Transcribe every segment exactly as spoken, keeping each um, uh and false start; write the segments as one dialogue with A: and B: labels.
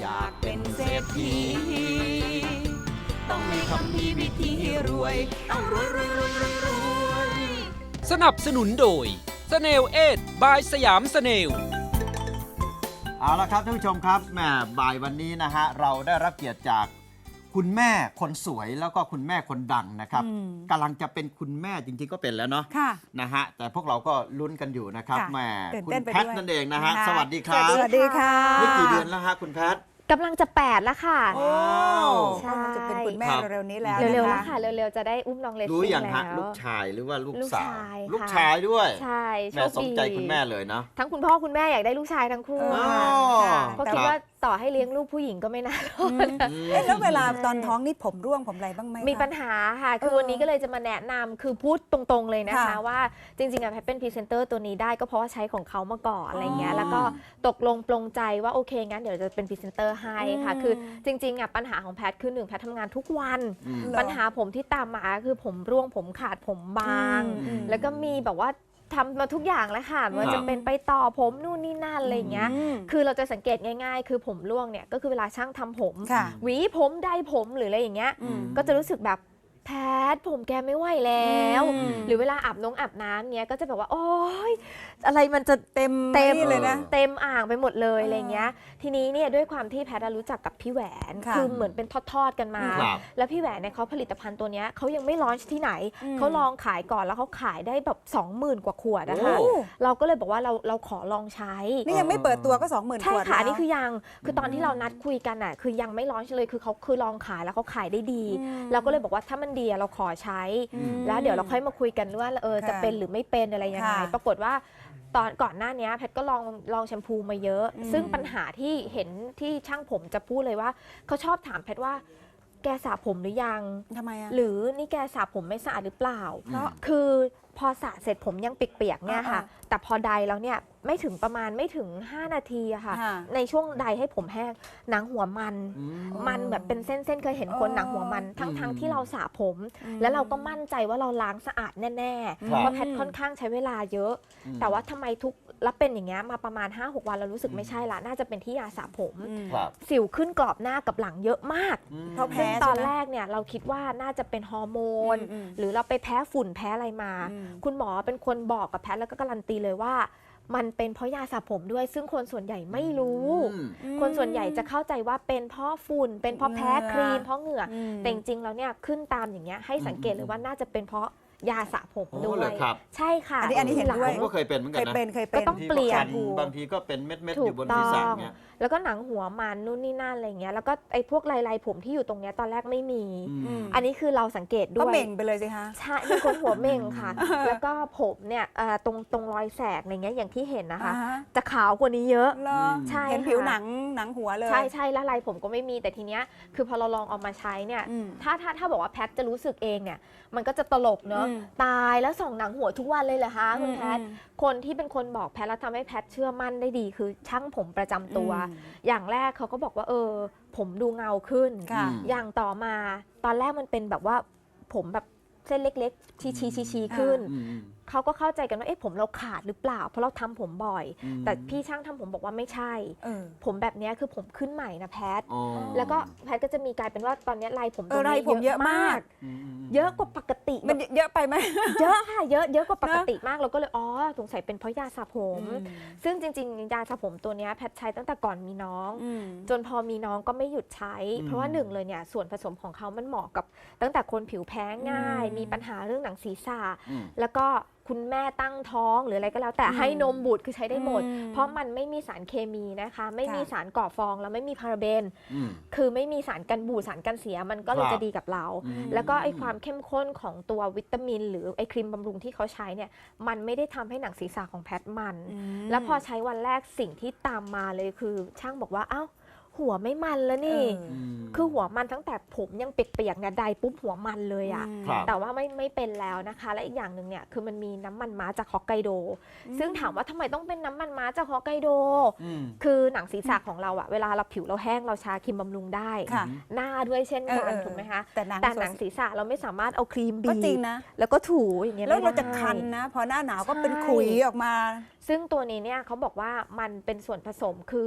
A: ากเป็นเศรษฐีต้องมีคำพีวิธีรวยต้องรวยรวยรวยรวยรวย
B: สนับสนุนโดยสเนลเอ็ดบายสยามสเนล
C: เอาละครับท่านผู้ชมครับแหมบ่ายวันนี้นะฮะเราได้รับเกียรติจากคุณแม่คนสวยแล้วก็คุณแม่คนดังนะครับกำลังจะเป็นคุณแม่จริงๆก็เป็นแล้วเนาะนะฮะแต่พวกเราก็ลุ้นกันอยู่นะครับแหมคุณแพทนั่นเองนะฮะสวัสดีครับ
D: สวัสดีค่ะ
C: นี่กี่เดือนแล้วฮะคุณแพท
E: กำลังจะแปดแล้วค่ะ
D: โอ้
E: ใช่
D: จะเป็นคุณแม่เร็วๆนี้แล้ว
E: เร็วๆแล้วค่ะเร็วๆจะได้อุ้มน้องเลสซิ่งแล้วรู้
C: อย่างฮะลูกชายหรือว่าลูกสาวลูก
E: ชาย
C: ด้วย
E: ใช่
C: แม่สมใจคุณแม่เลยนะ
E: ทั้งคุณพ่อคุณแม่อยากได้ลูกชายทั้งคู่เพราะคิดว่าต่อให้เลี้ยงลูกผู้หญิงก็ไม่น่ารอด
D: แล้วเวลาตอนท้องนี่ผมร่วงผมอะไรบ้างไหม
E: มีปัญหาค่ะคือวันนี้ก็เลยจะมาแนะนำคือพูดตรงๆเลยนะคะว่าจริงๆอะแพทเป็นพรีเซนเตอร์ตัวนี้ได้ก็เพราะว่าใช้ของเขามาก่อนอะไรเงี้ยแล้วก็ตกลงปลงใจว่าโอเคงั้นเดี๋ยวจะเป็นพรีเซนเตอร์ให้ค่ะคือจริงๆอะปัญหาของแพทคือหนึ่งแพททำงานทุกวันปัญหาผมที่ตามมาคือผมร่วงผมขาดผมบางแล้วก็มีแบบว่าทำมาทุกอย่างแล้วค่ะมันจะเป็นไปต่อผมนู่นนี่นั่นอะไรเงี้ยคือเราจะสังเกตง่ายๆคือผมร่วงเนี่ยก็คือเวลาช่างทำผมหวีผมได้ผมหรืออะไรอย่างเงี้ยก็จะรู้สึกแบบแพทผมแกไม่ไหวแล้วหรือเวลาอาบน้องอาบน้ำเนี้ยก็จะแบบว่าโอ๊ยอะไรมันจะเต็มเต็มเลยนะเต็มอ่างไปหมดเลยอะไรเงี้ยทีนี้เนี่ยด้วยความที่แพทรู้จักกับพี่แหวนคือเหมือนเป็นทอดๆกันมาแล้วพี่แหวนเนี่ยเขาผลิตภัณฑ์ตัวเนี้ยเขายังไม่ลอนช์ที่ไหนเขาลองขายก่อนแล้วเขาขายได้แบบสองหมื่นกว่าขวดนะคะเราก็เลยบอกว่าเราเราขอลองใช้
D: นี่ยังไม่เปิดตัวก็สองหมื่นขวด
E: ใช่ค่ะนี่คือยังคือตอนที่เรานัดคุยกันอ่ะคือยังไม่ลอนช์เลยคือเขาคือลองขายแล้วเขาขายได้ดีเราก็เลยบอกว่าถ้ามันดีเราขอใช้แล้วเดี๋ยวเราค่อยมาคุยกันว่าเออจะเป็นหรือไม่เป็นอะไรยังไงปรากฏว่าตอนก่อนหน้านี้แพทก็ลองลองแชมพูมาเยอะซึ่งปัญหาที่เห็นที่ช่างผมจะพูดเลยว่าเขาชอบถามแพทว่าแกสระผมหรือยัง
D: ทำไมอะ
E: หรือนี่แกสระผมไม่สะอาดหรือเปล่าเพราะคือพอสระเสร็จผมยังเปียกๆเนี่ยค่ะแต่พอไดแล้วเนี่ยไม่ถึงประมาณไม่ถึงห้านาทีอะค่ะในช่วงไดให้ผมแห้งหนังหัวมันมันแบบเป็นเส้นๆเคยเห็นคนหนังหัวมันทั้งๆที่เราสระผมแล้วเราก็มั่นใจว่าเราล้างสะอาดแน่ๆเพราะแพทค่อนข้างใช้เวลาเยอะแต่ว่าทำไมทุกแล้วเป็นอย่างเงี้ยมาประมาณ ห้าหก วันเรารู้สึกไม่ใช่ละน่าจะเป็นที่ยาสระผมสิวขึ้นกรอบหน้ากับหลังเยอะมากเพราะแพ้ตอนแรกเนี่ยเราคิดว่าน่าจะเป็นฮอร์โมนหรือเราไปแพ้ฝุ่นแพ้อะไรมาคุณหมอเป็นคนบอกกับแพทแล้วก็การันตีเลยว่ามันเป็นเพราะยาสระผมด้วยซึ่งคนส่วนใหญ่ไม่รู้คนส่วนใหญ่จะเข้าใจว่าเป็นเพราะฝุ่นเป็นเพราะแพ้ครีมเพราะเหงื่อแต่จริงๆแล้วเนี่ยขึ้นตามอย่างเงี้ยให้สังเกตเลยว่าน่าจะเป็นเพราะยาสระผมด้วยใช่ค่ะ
D: อันนี้อันนี้เห็นด้วย
C: ผมก็เคยเป็นเหมือนกันนะ
D: เคยเป็นเคย
E: เป็นก็ต้องเปลี่ยน
C: บางทีก็เป็นเม็ดๆอยู่บนศีรษะเงี้ย
E: แล้วก็หนังหัวมันนู่นนี่นั่นอะไรเงี้ยแล้วก็ไอ้พวกลายๆผมที่อยู่ตรงเนี้ยตอนแรกไม่มีอันนี้คือเราสังเกตด้วย
D: ก็เม่งไปเลยสิคะ
E: ใช่เป็นคนหัวเม่งค่ะแล้วก็ผมเนี่ยตรงตรงรอยแสกอะไรเงี้ยอย่างที่เห็นนะคะจะขาวกว่านี้เยอะ
D: ใช่เห็นผิวหนังหนังหัวเลย
E: ใช่ใช่แล้วลายผมก็ไม่มีแต่ทีเนี้ยคือพอเราลองเอามาใช้เนี่ยถ้าถ้าถ้าบอกว่าแพทจะรู้สึกเองเนี่ยมันก็จะตลกเนอะตายแล้วส่องหนังหัวทุกวันเลยเหรอคะคุณแพทคนที่เป็นคนบอกแพทแล้วทำให้แพทเชื่อมั่นได้ดีคือช่างผมประจำตัวอย่างแรกเขาก็บอกว่าเออผมดูเงาขึ้นอย่างต่อมาตอนแรกมันเป็นแบบว่าผมแบบเส้นเล็กๆชี้ๆๆขึ้นเขาก็เข้าใจกันว่าเอ๊ะผมเราขาดหรือเปล่าเพราะเราทำผมบ่อยแต่พี่ช่างทำผมบอกว่าไม่ใช่ผมแบบนี้คือผมขึ้นใหม่นะแพทแล้วก็แพทก็จะมีกลายเป็นว่าตอนนี้ลายผมตรงนี้เยอะมากเยอะกว่าปกติ
D: มันเยอะไปไหม
E: เยอะค่ะเยอะเยอะกว่าปกติมากเราก็เลยอ๋อสงสัยเป็นเพราะยาสระผมซึ่งจริงๆยาสระผมตัวนี้แพทใช้ตั้งแต่ก่อนมีน้องจนพอมีน้องก็ไม่หยุดใช้เพราะว่าหนึ่งเลยเนี่ยส่วนผสมของเขามันเหมาะกับตั้งแต่คนผิวแพ้ง่ายมีปัญหาเรื่องหนังศีรษะแล้วก็คุณแม่ตั้งท้องหรืออะไรก็แล้วแต่ให้นมบุตรคือใช้ได้หมดเพราะมันไม่มีสารเคมีนะคะไม่มีสารก่อฟองแล้วไม่มีพาราเบนคือไม่มีสารกันบูดสารกันเสียมันก็เลยจะดีกับเราแล้วก็ไอความเข้มข้นของตัววิตามินหรือไอครีมบำรุงที่เขาใช้เนี่ยมันไม่ได้ทำให้หนังศีรษะของแพทมันแล้วพอใช้วันแรกสิ่งที่ตามมาเลยคือช่างบอกว่าอ้าวหัวไม่มันแล้วนี่คือหัวมันตั้งแต่ผมยังเปียกๆเนี่ยใดปุ๊บหัวมันเลยอะแต่ว่าไม่ไม่เป็นแล้วนะคะและอีกอย่างหนึ่งเนี่ยคือมันมีน้ำมันม้าจากฮอกไกโดซึ่งถามว่าทำไมต้องเป็นน้ำมันม้าจากฮอกไกโดคือหนังศีรษะของเราอะเวลาเราผิวเราแห้งเราชาครีมบำรุงได้หน้าด้วยเช่นกันถูกไหมคะแต่หนังศีรษะเราไม่สามารถเอาครีมบีบแล้วก็ถูอย่างเงี้ย
D: แล้วเราจะคันนะพอหน้าหนาวก็เป็นขุยออกมา
E: ซึ่งตัวนี้เนี่ยเขาบอกว่ามันเป็นส่วนผสมคือ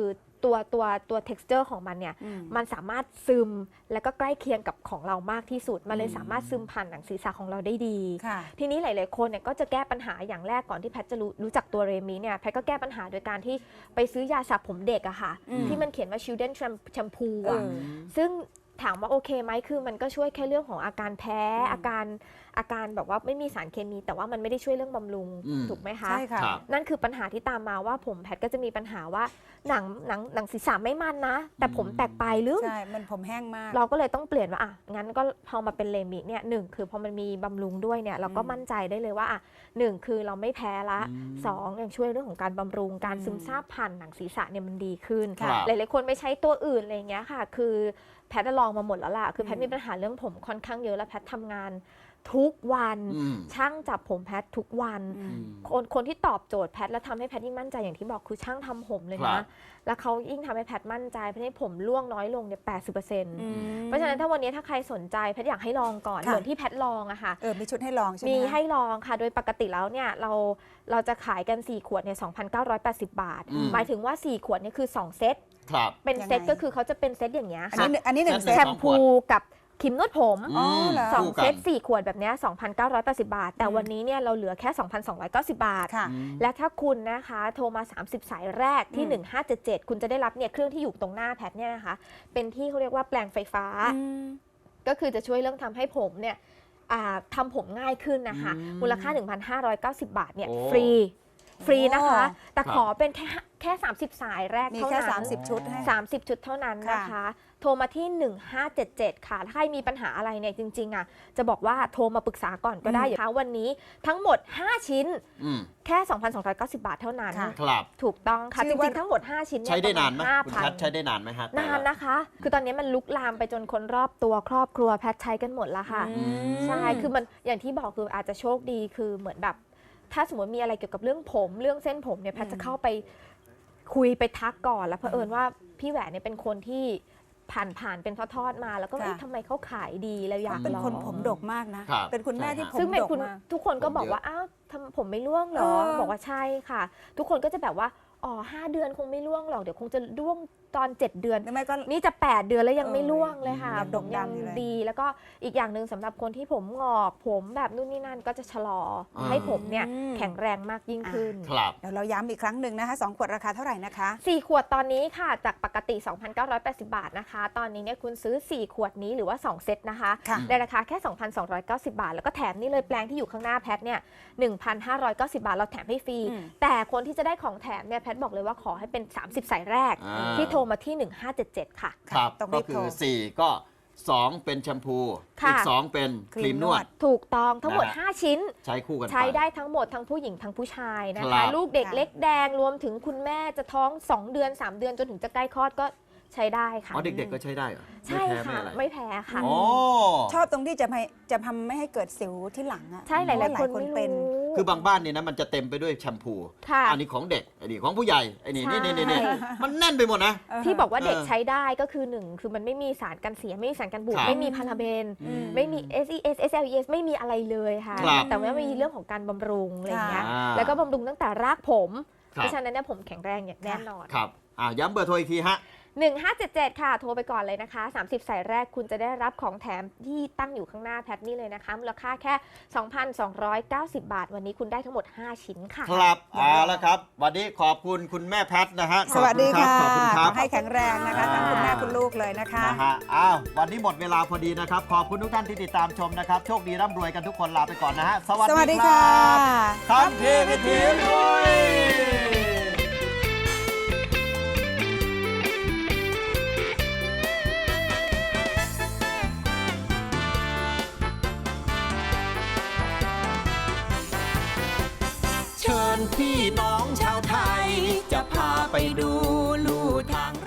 E: ตัวตัวตัว texture ของมันเนี่ย
D: อืม
E: มันสามารถซึมแล้วก็ใกล้เคียงกับของเรามากที่สุดมันเลยสามารถซึมผ่านหนังศีรษะของเราได้ดี
D: ค่ะ
E: ทีนี้หลาย ๆ คนเนี่ยก็จะแก้ปัญหาอย่างแรกก่อนที่แพทย์จะรู้รู้จักตัวเรมิเนี่ยแพทย์ก็แก้ปัญหาโดยการที่ไปซื้อยาสระผมเด็กอะค่ะ
D: อืม
E: ที่มันเขียนว่า children shampoo
D: เอ
E: อะ
D: อ
E: ซึ่งถามว่าโอเคไหมคือมันก็ช่วยแค่เรื่องของอาการแพ้
D: อืม
E: อาการอาการแบบว่าไม่มีสารเคมี แต่ว่ามันไม่ได้ช่วยเรื่องบำรุง
C: อืม
E: ถูกไหมคะ
D: ใช่ค่ะ
C: ครับ
E: นั่นคือปัญหาที่ตามมาว่าผมแพทย์ก็จะมีปัญหาว่าหนังหนังหนังศีรษะไม่มันนะ แต่ผมแตกปลายลึก
D: ใช่ มันผมแห้งมาก
E: เราก็เลยต้องเปลี่ยนว่าอ่ะงั้นก็พอมาเป็นเลมิเนี่ยหนึ่งคือพอมันมีบำรุงด้วยเนี่ยเราก็
D: อืม
E: มั่นใจได้เลยว่าอ่ะหนึ่งคือเราไม่แพ้ละ
C: อืม
E: สองยังช่วยเรื่องของการบำรุงการ
D: อืม
E: ซึมซาบผ่านหนังศีรษะเนี่ยมันดีขึ้น
C: ครับ
E: หลายๆคนไปใช้ตัวอื่นอะไรอย่างเงี้ยค่ะ คือแพทย์ลองมาหมดแล้วล่ะคือแพทย์มีปัญหาเรื่องผมค่อนข้างเยอะแล้วแพทย์ทำงานทุกวัน
C: อืม
E: ช่างจับผมแพทย์ทุกวัน
D: อืม
E: คนคนที่ตอบโจทย์แพทย์แล้วทำให้แพทย์ยิ่งมั่นใจอย่างที่บอกคือช่างทำผมเลย
C: ครั
E: นะ
C: บ
E: แล้วเขายิ่งทำให้แพทย์มั่นใจเพราะให้ผมร่วงน้อยลงเนี่ยแปดสิบเปอร์เซ็นต์
D: อืม
E: เพราะฉะนั้นถ้าวันนี้ถ้าใครสนใจแพทย์อยากให้ลองก่อน
D: ค่ะ
E: เหมือนที่แพทย์ลองอะค่ะ
D: เออ มีชุดให้ลองใช่ไหม
E: มี
D: คะ
E: ให้ลองค่ะ โดยปกติแล้วเนี่ยเราเราจะขายกัน สี่ ขวดเนี่ย สองพันเก้าร้อยแปดสิบ บาท
C: อืม
E: หมายถึงว่า สี่ ขวดเนี่ยคือ สอง เซต
C: ครับ
E: เป็น
D: ยังไง
E: เซตก็คือเขาจะเป็นเซตอย่างเงี้ย
D: อัน
E: ค่ะ
D: นี้อันนี้หนึ่ง
C: เซ
D: เซ
C: ต
E: แช
D: ต
E: มพูกับครีมนวดผม
D: อ๋อเหรอ
E: สอง
C: คู่กัน
E: เซตสี่ ขวดแบบเนี้ย สองพันเก้าร้อยแปดสิบ บาท แต่
D: อืม
E: วันนี้เนี่ยเราเหลือแค่ สองพันสองร้อยเก้าสิบ บาท
D: ค่ะ
C: อืม
E: และถ้าคุณนะคะโทรมา สามสิบ สายแรกที่
D: อืม
E: หนึ่งห้าเจ็ดเจ็ด คุณจะได้รับเนี่ยเครื่องที่อยู่ตรงหน้าแพทเนี่ยนะคะเป็นที่เขาเรียกว่าแปลงไฟฟ้า
D: อืม
E: ก็คือจะช่วยเรื่องทำให้ผมเนี่ยอ่าทำผมง่ายขึ้นนะคะ
C: อืม
E: มูลค่า หนึ่งพันห้าร้อยเก้าสิบ บาทเนี่ย
C: โอ้
E: ฟรีฟรีนะคะ
D: โอ้
E: แต่
C: ครับ
E: ขอเป็นแค่แค่ สามสิบ สายแรก
D: มี
E: เท่า
D: แค่
E: นั้น
D: สามสิบชุดให้
E: สามสิบ ชุดเท่านั้นนะคะ โทรมาที่ หนึ่งห้าเจ็ดเจ็ด ค่ะ ถ้าใครมีปัญหาอะไรเนี่ยจริงๆอ่ะจะบอกว่าโทรมาปรึกษาก่อนก็ได้
D: อืม
E: นะคะวันนี้ทั้งหมด ห้า ชิ้น
C: อืม
E: แค่ สองพันสองร้อยเก้าสิบ บาทเท่านั้น
D: ค่ะ
C: ครับ
E: ถูกต้องค่ะ
D: ชื่
E: จ
D: อว่า
E: ริงๆทั้งหมด ห้า ชิ้นเย
C: ใช้ได้นานไหม
E: ประณ
C: คุณแพทย์ใช้ได้นานไหมฮะแต่
E: นาน
C: ละ
E: นะคะ คือตอนนี้มันลุกลามไปจนคนรอบตัวครอบครัวแพทย์ใช้กันหมดแล้วค่ะ
D: อืม
E: ใช่ คือมันอย่างที่บอกคืออาจจะโชคดีคือเหมือนแบบ ถ้าสมมติมีอะไรเกี่ยวกับเรื่องผมเรื่องเส้นผมเนี่ยแพทย์จะเข้าไปคุยไปทักก่อนแล้วเผอิญว่าพี่แหวนเนี่ยเป็นคนที่ผ่านผ่านเป็นทอดๆมา แล้วก็
D: ค่ะ
E: เอ๊ะทำไมเขาขายดีแล้วอยาก
D: เป็น
E: ลอง
D: คนผมดกมากนะ
C: ครับ
D: เป็นคุณแม่ที่
C: ใช่
D: ผม
E: ซึ่งเป็น
D: ดก
E: คุณ
D: มาก
E: ทุกคนก็
C: ผม
E: บอก
C: เยอะ
E: ว่าอ้าวทำผมไม่ร่วงเหรอ
D: เออ
E: บอกว่าใช่ค่ะ ทุกคนก็จะแบบว่าอ๋อห้าเดือนคงไม่ร่วงหรอกเดี๋ยวคงจะร่วงตอนเจ็ดเดือน
D: หรือไม่ก็
E: นี่จะ แปด เดือนแล้วยัง
D: เออ
E: ไม่ร่วงเลยค่ะ
D: ยัง
E: ผ
D: ด
E: ม
D: กดั
E: ยัง
D: งอยู่เลย
E: ดี แล้วก็อีกอย่างหนึ่งสำหรับคนที่ผมงอกผมแบบนู่นนี่นั่นก็จะชะลออา ให้ผมเนี่ย
D: อืม
E: แข็งแรงมากยิ่งขึ้น
C: ครับ
D: เดี๋ยวเราย้ำอีกครั้งหนึ่งนะคะสองขวดราคาเท่าไหร่นะคะ
E: สี่ ขวดตอนนี้ค่ะ จากปกติ สองพันเก้าร้อยแปดสิบ บาทนะคะ ตอนนี้เนี่ยคุณซื้อ สี่ ขวดนี้หรือว่า สอง เซตนะคะ
D: ค่ะ
E: ในราคาแค่ สองพันสองร้อยเก้าสิบ บาท แล้วก็แถมนี่เลยแปลงที่อยู่ข้างหน้าแพทเนี่ย หนึ่งพันห้าร้อยเก้าสิบ บาท เราแถมให้ฟรี
D: อืม
E: แต่คนที่จะได้ของแถมเนี่ยแพทบอกเลยว่าขอให้เป็น สามสิบ สายแรก
C: อ่า
E: ที่โทรมาที่ หนึ่งห้าเจ็ดเจ็ด ค่ะ
C: ครับ
D: ต้อง
C: ก็
D: รีบ
C: คื
D: โทร
C: อสี่ก็สองเป็นแชมพู
E: ค่ะ
C: อีกสองเป็นครีมนวด
E: ถูกต้องทั้งหมด
C: นะฮะ
E: ห้า ชิ้น
C: ใช้คู่กันไป
E: ใช้ได้ทั้งหมดทั้งผู้หญิงทั้งผู้ชายนะ
C: ครั
E: คะ
C: บ
E: ลูกเด็ก
D: ค่ะ
E: เล็กแดงรวมถึงคุณแม่จะท้อง สอง เดือน สาม เดือนจนถึงจะใกล้คลอดก็ใช้ได้ค่ะ
C: อ๋อเด็กๆก็ใช้ได้เหรอ
E: ใช่
C: ไม่แพ้
E: ค่ะ
C: ไม่อะไร
E: ไม่แพ้ค่ะ
C: อ๋อ
D: ชอบตรงที่จะไม่จะทำไม่ให้เกิดสิวที่หลังอะ
E: ใช่หลายๆคน
D: เพระ
E: ไม่
D: เป็น
E: รู้
C: คือบางบ้านเนี่ยนะมันจะเต็มไปด้วยแชมพู
E: ค่ะ
C: อันนี้ของเด็กอันนี้ของผู้ใหญ่ไอ้นี่
E: ใช่
C: นี่นี่นี่มันแน่นไปหมดนะ
E: ที่บอกว่าเด็ก
C: เออ
E: ใช้ได้ก็คือหนึ่งคือมันไม่มีสารกันเสียไม่มีสารกันบูด
C: ครับ
E: ไม่มีพาราเบน
D: อืม
E: ไม่มี เอส อี เอส เอส แอล อี เอส ไม่มีอะไรเลยค่ะ
C: ครับ
E: แต่ว่ามีเรื่องของการบำรุงอะไรอย่างเงี้ย
C: อ่า
E: แล้วก็บำรุงตั้งแต่รากผม
C: ครับ
E: เพราะฉะนั้นเนี่ยผมแข็งแรงอย่างแน่นอน
C: ครับอ่าย้ำเบอร์โทรอีกทีฮะ
E: หนึ่งห้าเจ็ดเจ็ด ค่ะ โทรไปก่อนเลยนะคะ สามสิบ สายแรกคุณจะได้รับของแถมที่ตั้งอยู่ข้างหน้าแพทนี่เลยนะคะมูลค่าแค่ สองพันสองร้อยเก้าสิบ บาท วันนี้คุณได้ทั้งหมด ห้า ชิ้นค่ะ
C: ครับเอาละครับ วันนี้ขอบคุณคุณแม่แพทนะฮะ
D: สวัสดีค่ะ
C: ขอบคุณครับ
D: ขอให้แข็งแรงนะคะทั้งคุณแม่คุณลูกเลยนะคะ
C: นะฮะอ้าววันนี้หมดเวลาพอดีนะครับ ขอบคุณทุกท่านที่ติดตามชมนะครับ โชคดีร่ำรวยกันทุกคนลาไปก่อนนะฮะ สวัส
D: สวัส
C: ดี
D: ดี
C: ครั
D: ค่ะ
C: บคำพีวิถีรวย
A: เชิญพี่น้องชาวไทย จะพาไปดูลู่ทาง